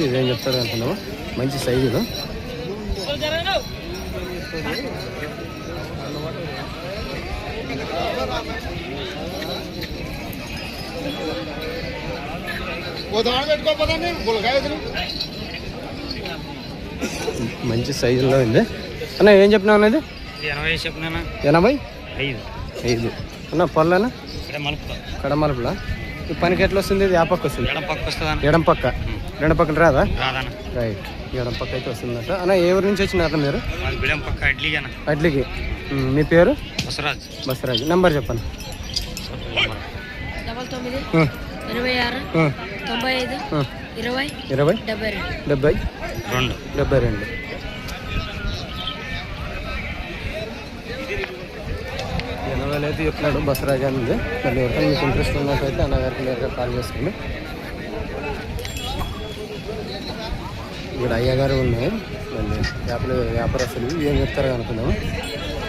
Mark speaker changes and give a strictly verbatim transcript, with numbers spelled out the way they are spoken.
Speaker 1: ఇదేం చెప్తారు అనుకున్నాము. మంచి సైజు ఇది. మంచి సైజులో ఉంది అన్న. ఏం చెప్పినావు అన్నది?
Speaker 2: ఎనభై చెప్పినా.
Speaker 1: ఎనభై
Speaker 2: ఐదు
Speaker 1: ఐదు అన్న. పళ్ళనా?
Speaker 2: మలుపుతా
Speaker 1: కడమలుపులా. ఈ పనికి ఎట్లా వస్తుంది? ఇది ఆ పక్క వస్తుంది.
Speaker 2: ఎడం పక్క వస్తుందా?
Speaker 1: ఎడం పక్క. రెండు పక్కన రాదా?
Speaker 2: రాదన్న.
Speaker 1: రైట్. ఎడం పక్క అయితే వస్తుందట అన్న. ఏ ఊరు నుంచి వచ్చినారు మీరు?
Speaker 2: బిడం పక్క ఇడ్లీగా.
Speaker 1: అడ్లీకి. మీ పేరు?
Speaker 2: బసరాజ్.
Speaker 1: బసరాజ్. నెంబర్ చెప్పండి.
Speaker 3: డబల్ తొమ్మిది ఎనభై ఆరు తొంభై ఐదు ఇరవై
Speaker 1: ఇరవై
Speaker 3: డెబ్బై రెండు
Speaker 1: డెబ్బై
Speaker 2: రెండు
Speaker 1: డెబ్బై రెండు. ఎనభైలో అయితే చెప్తున్నాడు బసరాజ్ అని ఉంది. మళ్ళీ ఎవరికైనా మీకు ఇంట్రెస్ట్ ఉన్నట్టయితే అన్నగారికి నేరుగా కాల్ చేసుకోండి. ఇక్కడ అయ్యగారు ఉన్నాయి. మళ్ళీ వ్యాపార వ్యాపారస్తులు ఏం చెప్తారో అనుకుందాము.